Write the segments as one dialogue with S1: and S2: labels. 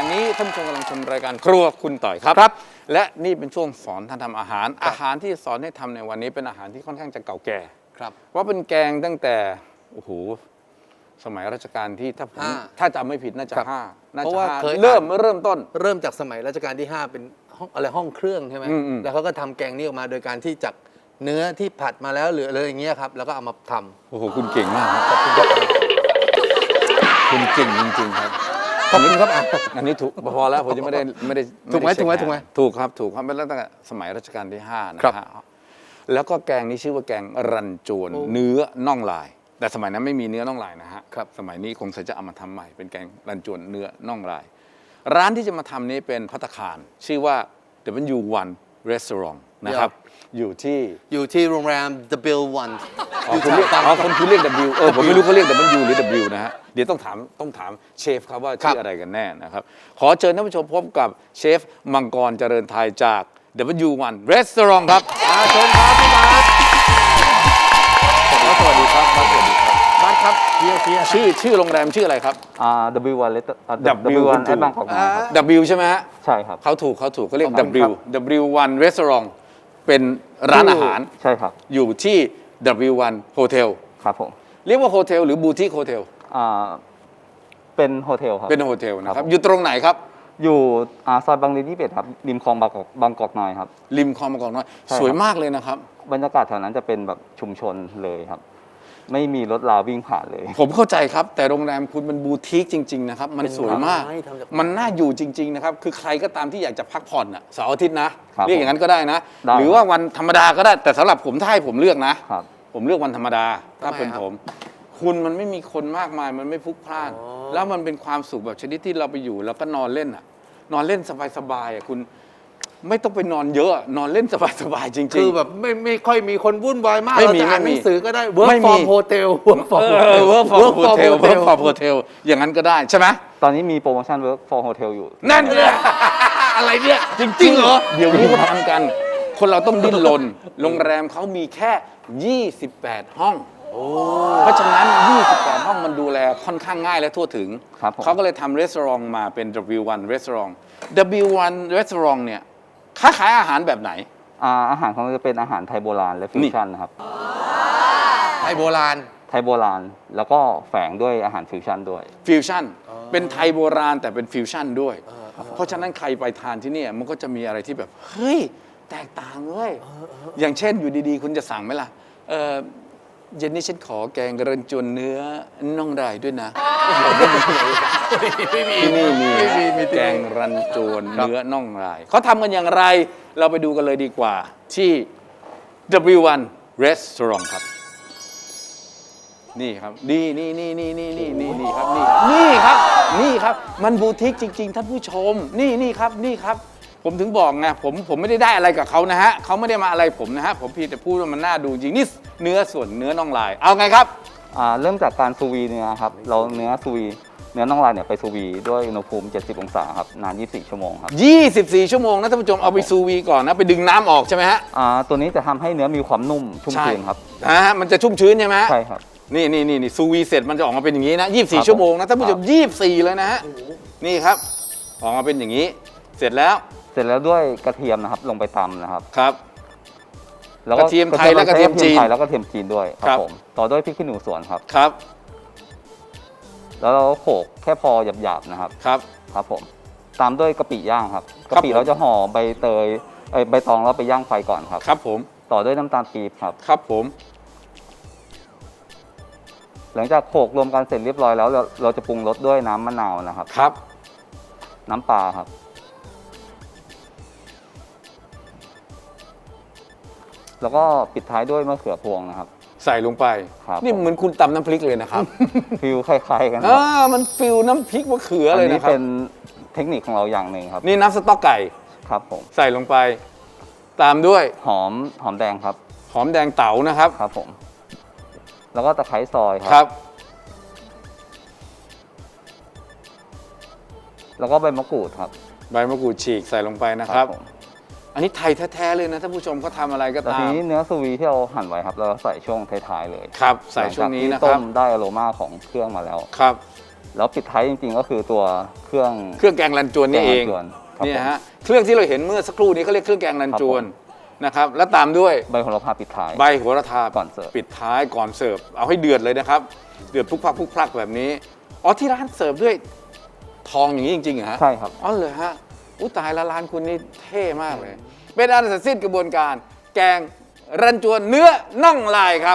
S1: ณนี้ท่านผู้ชมกำลังชมรายการครัวคุณต่อยครับและนี่เป็นช่วงสอนท่านทำอาหารที่สอนให้ทำในวันนี้เป็นอาหารที่ค่อนข้างจะเก่าแก่ครับว่าเป็นแกงตั้งแต่โอ้โหสมัยรัชกาลที่ถ้าจำไม่ผิดน่าจะ5น่าจะ5เริ่มต้น
S2: เริ่มจากสมัยรัชกาลที่5เป็นห้องอะไรห้องเครื่องใช่ไหมแล้วเขาก็ทำแกงนี้ออกมาโดยการที่จากเนื้อที่ผัดมาแล้วหรืออะไรอย่างเงี้ยครับแล้วก็เอามาทำ
S1: โอ้โหคุณเก่งมากครับคุณเก่งจริงๆครับ
S2: ขอบคุณครับ
S1: อันนี้ถูกพอแล้วผมจะไม่ได้
S2: ถูกไหม
S1: ถูกครับเป็นตั้งแต่สมัยรัชกาลที่5นะฮะแล้วก็แกงนี้ชื่อว่าแกงรันจวนเนื้อน่องลายแต่สมัยนั้นไม่มีเนื้อน่องลายนะฮะสมัยนี้คงจะเอามาทำใหม่เป็นแกงรันจวนเนื้อน่องลายร้านที่จะมาทำนี้เป็นภัตตาคารชื่อว่า W1 Restaurant นะครับอยู่ที่
S2: โรงแรม The Bill One
S1: คุณเรียก W ผมไม่รู้เขาเรียก W หรือ W นะฮะเดี๋ยวต้องถามเชฟครับว่าชื่ออะไรกันแน่นะครับขอเชิญท่านผู้ชมพบกับเชฟมังกรเจริญไทยจาก W1 Restaurant ครับเชิญครับพี่บาสสวัสดีครับบาสครับชื่อโรงแรมชื่ออะไรครับ
S3: W1 W1 บางกอกน้อยครับ
S1: W ใช่ไหมฮะ
S3: ใช่ครับ
S1: เขาถูกเขาเรียก W1 Restaurant เป็นร้านอาหาร
S3: ใช่ครับ
S1: อยู่ที่ W1 Hotel
S3: ครับผม
S1: เรียกว่าโฮเทลหรือบูติกโฮเทล
S3: เป็นโฮเทลครับ
S1: เป็นโฮเทลนะครับอยู่ตรงไหนครับ
S3: อยู่ซอยบางรี21ครับริมคลองบางกอกน้อยครับ
S1: ริมคลองบางกอกน้อยสวยมากเลยนะครับ
S3: บรรยากาศแถวนั้นจะเป็นแบบชุมชนเลยครับไม่มีรถราวิ่งผ่านเลย
S1: ผมเข้าใจครับแต่โรงแรมคุณเป็นบูติกจริงๆนะครับมันสวยมากมันน่าอยู่จริงๆนะครับคือใครก็ตามที่อยากจะพักผ่อนเสาร์อาทิตย์นะเรียกอย่างนั้นก็ได้นะหรือว่าวันธรรมดาก็ได้แต่สำหรับผมถ้าให้ผมเลือกนะผมเลือกวันธรรมดาถ้าเป็นผมคุณมันไม่มีคนมากมายมันไม่พลุกพล่านแล้วมันเป็นความสุขแบบชนิดที่เราไปอยู่แล้วก็นอนเล่นสบายๆคุณไม่ต้องไปนอนเยอะนอนเล่นสบายๆจริงๆ
S2: คือแบบไม่ค่อยมีคนวุ่นวายมากเราจะอ่านหนังสือก็ได้ work from hotel
S1: work from hotel อย่างนั้นก็ได้ใช่ไหม
S3: ตอนนี้มีโปรโมชั่น work from hotel อยู่
S1: นั่นเลยอะไรเนี่ยจริงเหรอเดี๋ยวนี้เขาทำกันคนเราต้องดิ้นรนโรงแรมเขามีแค่28ห้องเพราะฉะนั้น28ห้องมันดูแลค่อนข้างง่ายและทั่วถึงเขาก็เลยทำรีสอร์ทมาเป็น W1 Restaurant W1 Restaurant เนี่ยค้าขายอาหารแบบไหน
S3: อาหารของเราจะเป็นอาหารไทยโบราณและฟิวชั่นนะครับ
S2: ไทยโบราณ
S3: แล้วก็แฝงด้วยอาหารฟิวชั่นด้วย
S1: ฟิวชั่นเป็นไทยโบราณแต่เป็นฟิวชั่นด้วยเพราะฉะนั้นใครไปทานที่นี่มันก็จะมีอะไรที่แบบเฮ้ยแตกต่างเลยอย่างเช่นอยู่ดีๆคุณจะสั่งไหมล่ะเย็นนี้ฉันขอแกงกระจวนเนื้อน่องลายด้วยนะที่นี่มีแกงรันจวนเนื้อน่องลายเขาทำกันอย่างไรเราไปดูกันเลยดีกว่าที่ W1 Restaurant ครับนี่ครับนี่ครับมันบูติกจริงๆท่านผู้ชมนี่ครับผมถึงบอกไงผมไม่ได้อะไรกับเขานะฮะเขาไม่ได้มาอะไรผมนะฮะผมเพียงแต่พูดว่ามันน่าดูจริงนี่เนื้อส่วนเนื้อน่องลายเอาไงครับ
S3: เริ่มจากการซูวีเนื้อครับเราเนื้อน่องลายเนี่ยไปซูวีด้วยอุณหภูมิ70 องศาครับนาน24 ชั่วโมงครับ
S1: 24 ชั่วโมงนะท่านผู้ชมเอาไปซูวีก่อนนะไปดึงน้ำออกใช่ไหมฮะ
S3: ตัวนี้จะทำให้เนื้อมีความนุ่มชุ่มชื้นครับ
S1: มันจะชุ่มชื้นใช่ไหม
S3: ใช่ครับ
S1: นี่ซูวีเสร็จมันจะออกมาเป็นอย่างนี้นะ24 ชั่วโมงนะท่านผู้ชม24เลยนะฮะนี่ครับออกมาเป็นอย่างนี้เสร็จแล้ว
S3: ด้วยกระเทียมนะครับลงไปตำนะครับ
S1: ครับแล้วก็กระเทียมไทยและกระเทียมจีน
S3: แล้วก็กระเทียมจีนด้วยครับผมต่อด้วยพริกขี้หนูสวนครับ
S1: ครับ
S3: แล้วเราโขลกแค่พอหยาบๆนะครับครับผมตามด้วยกะปิย่างครับกะปิเราจะห่อใบตองแล้วไปย่างไฟก่อนครับ
S1: ครับผม
S3: ต่อด้วยน้ำตาลปี๊บครับ
S1: ครับผม
S3: หลังจากโขลกรวมกันเสร็จเรียบร้อยแล้วเราจะปรุงรสด้วยน้ำมะนาวนะครับ
S1: ครับ
S3: น้ำปลาครับแล้วก็ปิดท้ายด้วยมะเขือพวงนะครับ
S1: ใส่ลงไปนี่เหมือนคุณตำน้ำพริกเลยนะครับ
S3: ฟิลคล้ายๆกัน
S1: มันฟิลน้ำพริกมะเขือเลยนะครับ
S3: อันนี้เป็นเทคนิคของเราอย่างหนึ่งครับ
S1: นี่น้ำสต๊อกไก่
S3: ครับผม
S1: ใส่ลงไปตามด้วย
S3: หอมแดงครับ
S1: หอมแดงเต๋านะครับ
S3: ครับผมแล้วก็ตะไคร้ซอย
S1: ครับ
S3: แล้วก็ใบมะกรูดครับ
S1: ใบมะกรูดฉีกใส่ลงไปนะครับอันนี้ไทยแท้ๆเลยนะท่านผู้ชมเขาทำอะไรก็ตาม
S3: ทีนี้เนื้อซูวีที่เราหั่นไว้ครับเราใส่ช่วงท้ายๆเลย
S1: ครับใส่ช่วงนี้นะครับ
S3: ต้มได้อโรมาของเครื่องมาแล้ว
S1: ครับ
S3: แล้วปิดท้ายจริงๆก็คือตัวเครื่อง
S1: แกงรันจวนนี่เอง
S3: แกงรันจวนครับ
S1: เนี่ยฮะเครื่องที่เราเห็นเมื่อสักครู่นี้เขาเรียกเครื่องแกงรันจวนนะครับแล้วตามด้วย
S3: ใบโหระพาปิดท้าย
S1: ใบโหระพา
S3: ก่อนเสิร์ฟ
S1: ปิดท้ายก่อนเสิร์ฟเอาให้เดือดเลยนะครับเดือดพลุกพลักพลุกพลักแบบนี้อ๋อที่ร้านเสิร์ฟด้วยทองอย่างนี้จริงๆเหรอฮะ
S3: ใช่ครับ
S1: อ๋อเลยฮะอุ้ตายละร้านคุณนี่เท่มากเลย เป็นอันเสร็จสิ้นกระบวนการแกงรันจวนเนื้อน่องลายครับ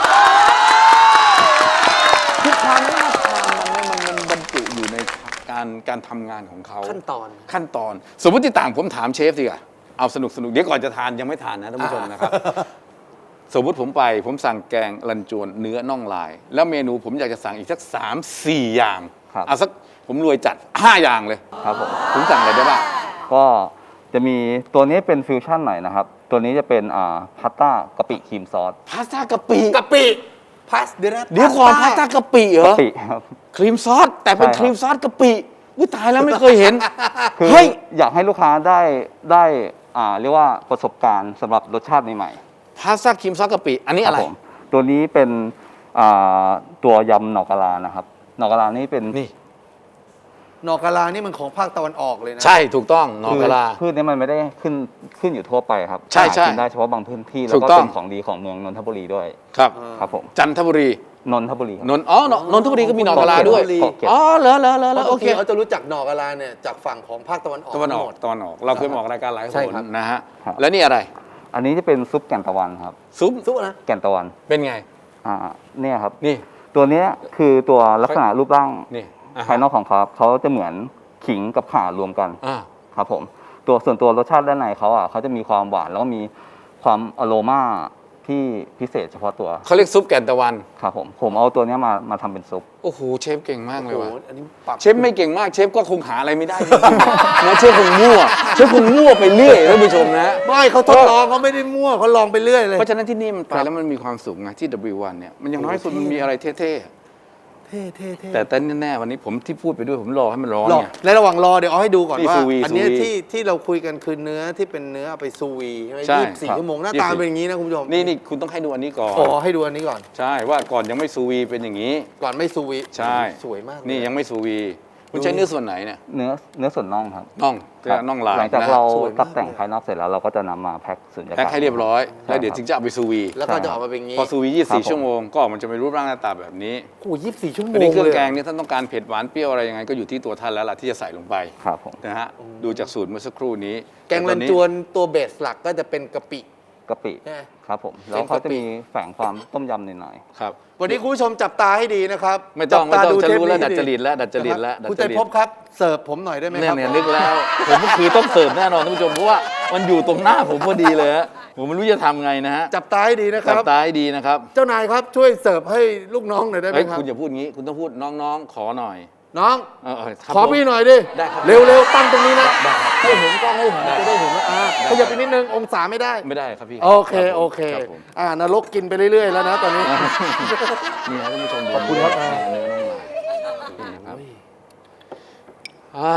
S1: คือความน่าทานมันบรรจุอยู่ในการทำงานของเขา
S2: ขั้นตอน
S1: สมมติต่างผมถามเชฟสิอ่ะเอาสนุกเดี๋ยวก่อนจะทานยังไม่ทานนะท่านผู้ชมนะครับ สมมติผมสั่งแกงรันจวนเนื้อน่องลาย แล้วเมนูผมอยากจะสั่งอีกสัก3-4 อย่าง
S3: ครับ
S1: เอาสักผมรวยจัด5 อย่างเลย
S3: ครับผม
S1: ผมสั่งอะไรได้บ้าง
S3: ก็จะมีตัวนี้เป็นฟิวชั่นหน่อยนะครับ ตัวนี้จะเป็นพาสต้ากะปิครีมซอส
S1: พาสต้ากะปิ
S2: กะปิพัสเดี๋ยวนะ
S1: เดี๋ยวก่อนพาสต้ากะปิเหรอก
S3: ะปิครับ
S1: ครีมซอสแต่เป็น
S3: ใช่ครับ
S1: ครีมซอสกะปิอุ้ยตายแล้วไม่เคยเห็น
S3: คือ
S1: เฮ้ย
S3: อยากให้ลูกค้าได้เรียกว่าประสบการณ์สำหรับรสชาติใหม่
S1: พาสต้าครีมซอสกะปิอันนี้
S3: ๆ
S1: อะไร
S3: คบผมตัวนี้เป็นตัวยำหนอกกะลานะครับหนอกกะลานี่เป็น
S1: นี่
S2: หนอกกะลานี่มันของภาคตะวันออกเลยนะ
S1: ใช่ถูกต้องหนอกกะลา
S3: พืชนี้มันไม่ได้ขึ้นอยู่ทั่วไปครับ
S1: ใช่
S3: หากินได้เฉพาะบางพื้นที่แล้ว
S1: ถู
S3: ก็
S1: กต้อง
S3: เป็นของดีของเมืองนนทบุรีด้วย
S1: ครับ
S3: ครับผม
S1: จันทบุรี
S3: นนทบุรีครับ
S1: นนทบุรีก็มีหนอกกะลาด้วย
S3: เกาะเกร็ด
S1: อ๋อเหรอ
S2: เพราะ
S1: โอ
S2: โอ
S1: เค
S2: เคเขาจะรู้จักหนอกะลาเนี่ยจากฝั่งของภาคตะวันออก
S1: ตะวันออก
S2: หมด
S1: เราเคยมาออกรายการหลาย
S2: ใช่
S1: คน
S2: ครับ
S1: นะฮะ
S3: ครับ
S1: แล้วนี่อะไร
S3: อันนี้จะเป็นซุปแก่นตะวันครับ
S1: ซุป
S2: สู้นะ
S3: แก่นตะวัน
S1: เป็นไง
S3: เนี่ยครับ
S1: นี่
S3: ตัวเนี้ยคือตัวลักษณะรูปร่าง
S1: นี่อ่ะ
S3: ภายนอกของเขาจะเหมือนขิงกับข่ารวมกัน
S1: อ่า
S3: ครับผมส่วนตัวรสชาติด้านในเขาจะมีความหวานแล้วก็มีความอโรมาที่พิเศษเฉพาะตัว
S1: เขาเรียกซุปแก่นตะวัน
S3: ครับผมเอาตัวเนี้ยมาทำเป็นซุป
S1: โอ้โหเชฟเก่งมากเลย
S2: โอ้
S1: ว่ะ
S2: โหอันนี้ปรับ
S1: เชฟไม่เก่งมากเชฟก็คงหาอะไรไม่ได้จริงๆนะเชฟคงมั่วไปเรื่อยท่านผู้ชมนะ
S2: ไม่เขาทดลองเขาไม่ได้มั่วเขาลองไปเรื่อยเลย
S1: เพราะฉะนั้นที่นี่มันไปแล้วมันมีความสุขไงที่ W1 เนี่ยมันอย่างน้อยสุดมันมีอะไรเท่
S2: เท่
S1: ๆแต่แน่ๆวันนี้ผมที่พูดไปด้วยผมรอให้มันร้อน
S2: รอ
S1: ไง
S2: ในระหว่างรอเดี๋ยวเอาให้ดูก่อน
S1: นี่
S2: ว่า
S1: ซูวี
S2: อันเนี้ย
S1: ซูวี
S2: ที่เราคุยกันคือเนื้อที่เป็นเนื้อเอาไปซูวีใช่ไหม
S1: ใช่
S2: 24 ชั่วโมงหน้า
S1: 24
S2: ตาเป็นอย่างนี้นะคุณผู้ชม
S1: นี่คุณต้องให้ดูอันนี้ก่อน
S2: อ๋อให้ดูอันนี้ก่อน
S1: ใช่ว่าก่อนยังไม่ซูวีเป็นอย่างนี้
S2: ก่อนไม่ซูวี
S1: ใช่
S2: สวยมากเลย
S1: นี่ยังไม่ซูวีคุณใช้เนื้อส่วนไหนเนี่ย
S3: เนื้อส่วนน่องครับ
S1: น่องน่องลาย
S3: หลังจาก
S1: นะ
S3: เรา
S2: สวยมาก
S3: ตัดแต่งภายนอกเสร็จแล้วเราก็จะนำมาแพ็คสุญญากาศ
S1: แพ็คให้เรียบร้อย แล้วเดี๋ยว
S3: ใช่
S1: ถึงจะเอาไปซูวี
S2: แล้วก็จะออกมาเป็นอย่างนี้
S1: พอซูวี
S3: ครับผม
S1: 24 ชั่วโมงก็มันจะเป็นรูปร่างหน้าตาแบบนี้
S2: โอ้โห24 ชั่วโมง
S1: อันนี้เครื่อง
S2: ลย
S1: แกงเนี่ยท่านต้องการเผ็ดหวานเปรี้ยวอะไรยังไงก็อยู่ที่ตัวท่านแล้วล่ะที่จะใส่ลงไป
S3: ครับผม
S1: นะฮะดูจากสูตรเมื่อสักครู่นี้
S2: แกงรันจวนตัวเบสหลักก็จะเป็นกะปิ
S3: กะปิ
S2: ใช่ไหม
S3: ครับผมแล้วเขาจะมีแฝงความต้มยำหน่อย
S1: ครับ
S2: วันนี้คุณผู้ชมจับตาให้ดีนะครับ
S1: ไม่ต้อง
S2: จับตา
S1: จะรู้แล้ว
S2: เทป
S1: ดัด
S2: นี้
S1: จริตแล้วดัดจริต
S2: นะ
S1: แล้ว
S2: ครับ
S1: ดัด
S2: คุณ
S1: จ
S2: ใจ
S1: ริต
S2: พบครับเสิร์ฟผมหน่อยได้ไหม
S1: เนี่
S2: ค
S1: ย
S2: รับ
S1: เนี่ยนึกแล้วผมก็คือต้องเสิร์ฟแน่นอนท่านผู้ชมเพราะว่ามันอยู่ตรงหน้าผมพอดีเลยฮะผมไม่รู้จะทำไงนะฮะ
S2: จับตาให้ดีนะค
S1: จับ
S2: รับ
S1: ตาให้ดีนะครับ
S2: เจ้านายครับช่วยเสิร์ฟให้ลูกน้องหน่อยได้ไหม
S1: เฮ้ย
S2: ครับ
S1: คุณอย่าพูดงี้คุณต้องพูดน้องๆขอหน่อย
S2: น้อง
S1: ครับ
S2: ขอ
S1: ผม
S2: พี่หน่อยดิ
S1: ได้ครับ
S2: เร็วๆตั้งตรงนี้นะให้เห็นกล้องให้เห็นจะได้เห็นว่าขยับไปนิดนึงองศาไม่ได้
S1: ไม่ได้ครับพี่
S2: โอเค
S1: รับผม
S2: โอเค
S1: รับผม
S2: นรกกินไปเรื่อยๆแล้วนะตอนนี้
S1: นี่ครับท่านผู้ชม
S2: ขอบคุณครับ
S1: นี่เนื้อน้องลายนี่ครับอ้าย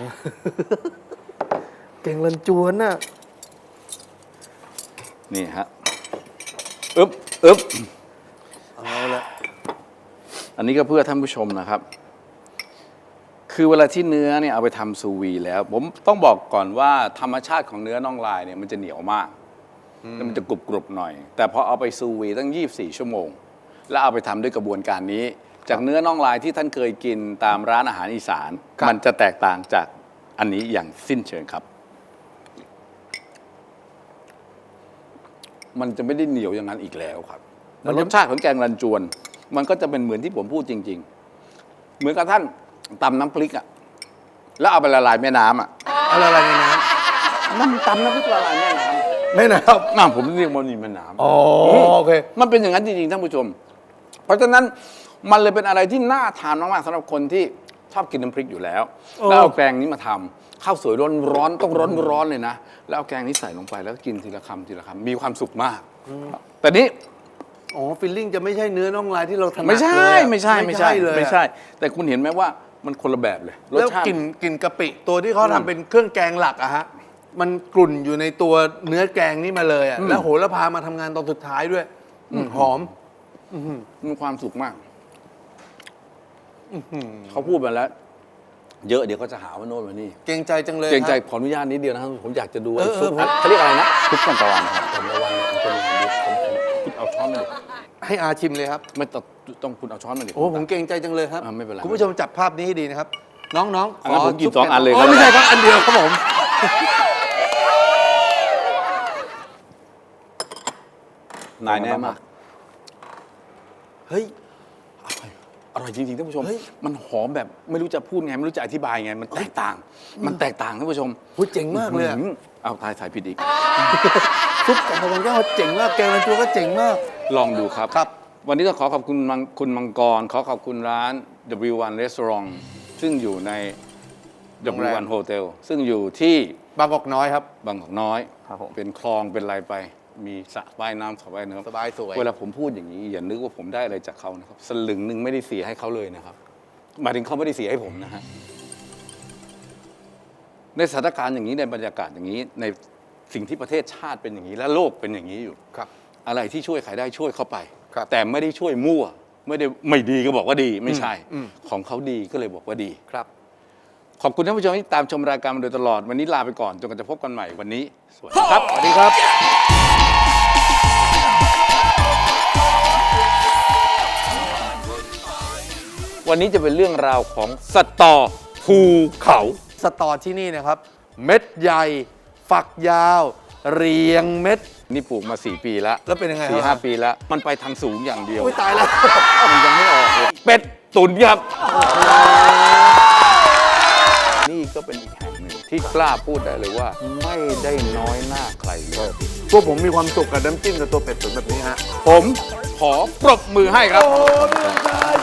S2: เก่งลันจวนน่ะ
S1: นี่ฮะอึ๊บ
S2: เอาละ
S1: อันนี้ก็เพื่อท่านผู้ชมนะครับ คือเวลาที่เนื้อเนี่ยเอาไปทำซูวีแล้ว ผมต้องบอกก่อนว่าธรรมชาติของเนื้อน่องลายเนี่ยมันจะเหนียวมากแล้วมันจะกรุบๆหน่อย แต่พอเอาไปซูวีตั้ง24 ชั่วโมง แล้วเอาไปทำด้วยกระบวนการนี้ จากเนื้อน่องลายที่ท่านเคยกินตามร้านอาหารอีสาน มันจะแตกต่างจากอันนี้อย่างสิ้นเชิงครับ มันจะไม่ได้เหนียวอย่างนั้นอีกแล้วครับแล้วรสชาติของแกงรันจวน มันก็จะเป็นเหมือนที่ผมพูดจริง ๆ เหมือนกับท่านตำน้ำพริกอะแล้วเอาไปละลายแม่น้ำอะ
S2: อะไรในน้
S1: มันตำน้ำพริกละลายแม่น้
S2: ำไม่นะครับ
S1: ำน้ำผมเรียกมันนี่แม่น้ำ
S2: อ๋อโอเค
S1: มันเป็นอย่างนั้นจริงๆท่านผู้ชม เพราะฉะนั้นมันเลยเป็นอะไรที่น่าทานมากๆสำหรับคนที่ชอบกินน้ำพริกอยู่แล้ว แล้วเอาแกงนี้มาทำข้าวสวยร้อนๆต้องร้อนๆเลยนะแล้วเอาแกงนี้ใส่ลงไปแล้วก็กินทีละคำทีละคำมีความสุขมาก แต่นี้
S2: อ๋อฟิลลิ่งจะไม่ใช่เนื้อน่องลายที่เราถนัด
S1: ไม่ใช่
S2: เลยอะ
S1: ไม่ใช่
S2: เลยอะ
S1: ไม่ใช่ แต่คุณเห็นไหมว่ามันคนละแบบเลยรส
S2: แล้ว
S1: ชาติ
S2: กลิ่นกะปิตัวที่เขาทำเป็นเครื่องแกงหลักอะฮะมันกลุ่นอยู่ในตัวเนื้อแกงนี่มาเลยอะแล้วโหระพามาทำงานตอนสุดท้ายด้วยหอม
S1: มีความสุขมากเขาพูดมาแล้ว เยอะเดี๋ยวเขาจะหาว่าโน่นว่านี่
S2: เกรงใจจังเลย
S1: เกรงใจ
S2: ครับ
S1: ขออนุญาตนิดเดียวนะครับผมอยากจะดู
S2: เออ
S1: ไอ้ซุป
S2: เออ
S1: เขาเรียกอะไรนะ
S3: ทุกคนตะวันครับ
S1: ผมระวังเป็นยังไงดีคุณเอาช้อนมาดิ
S2: ให้อาชิมเลยครับ
S1: ไม่ต้องคุณเอาช้อนมาดิ
S2: โอ้ผมเกรงใจจังเลยครับ
S1: ไม่เป็นไร
S2: คุณผู้ชมจับภาพนี้ให้ดีนะครับ น้องๆ
S1: อันนั้นผมกิน
S2: ซุป
S1: 2 อันเลย
S2: โอ้
S1: ครับ
S2: ไม่ใช่ครับอันเดียวครับผม
S1: นายแน่มาก
S2: เฮ้ย
S1: อร่อยจริงๆท่านผู้ชม
S2: เฮ้ย
S1: มันหอมแบบไม่รู้จะพูดไงไม่รู้จะอธิบายไงมันแตกต่างท่านผู้ชม
S2: พูดเจ๋งมากเลยอะ
S1: เอาถ่ายผิดอีก
S2: ซุปกับพะแนงแก้วเจ๋งมากแกงรันจวนก็เจ๋งมาก
S1: ลองดูครับ
S2: ครับ
S1: วันนี้ต้องขอขอบคุณคุณมังกร ขอขอบคุณร้าน W1 Restaurant ซึ่งอยู่ใน
S2: โรงแรม
S1: W1 Hotel ซึ่งอยู่ที่
S2: บางกอกน้อยครับ
S1: บางกอกน้อย
S3: ครับผม
S1: เป็นคลองเป็นอะไรไป มีสระว่ายน้ำสระว่ายน้ำ
S2: สบายสวย
S1: เวลาผมพูดอย่างนี้อย่านึกว่าผมได้อะไรจากเขานะครับสลึงหนึ่งไม่ได้เสียให้เขาเลยนะครับหมายถึงเขาไม่ได้เสียให้ผมนะฮะในสถานการณ์อย่างนี้ในบรรยากาศอย่างนี้ ในสิ่งที่ประเทศชาติเป็นอย่างนี้และโลกเป็นอย่างนี้อยู่
S2: ครับ
S1: อะไรที่ช่วยใครได้ช่วยเข้าไป
S2: ครับ
S1: แต่ไม่ได้ช่วยมั่ว ไม่ได้ไม่ดีก็บอกว่าดีไม่ใช่
S2: อืม
S1: ของเขาดีก็เลยบอกว่าดี
S2: ครับ
S1: ขอบคุณท่านผู้ชมที่ตามชมรายการมาโดยตลอดวันนี้ลาไปก่อนจนกว่าจะพบกันใหม่วันนี้สวัสดีครับ
S2: สวัสดีครับ
S1: วันนี้จะเป็นเรื่องราวของสตอภูเขา
S2: สตอที่นี่นะครับ เม็ดใหญ่ ฝักยาว เรียงเม็ด
S1: นี่ปลูกมา 4 ปีแล้ว
S2: แล้วเป็นยังไง
S1: สี่
S2: ค
S1: ห้า
S2: รับ
S1: ปีแล้ว มันไปทางสูงอย่างเดียว
S2: อุ้ยตายแล้ว
S1: มันยังไม่ออกเลยเป็ดตุ๋นครับ นี่ก็เป็นอีกแห่งหนึ่งที่กล้าพูดได้เลยว่า ไม่ได้น้อยหน้าใครเลย
S2: พวกผมมีความสุขกับน้ำจิ้มกับตัวเป็ดตุ๋นแบบนี้ฮะ
S1: ผมขอปรบมือให้ครับ
S2: โอ้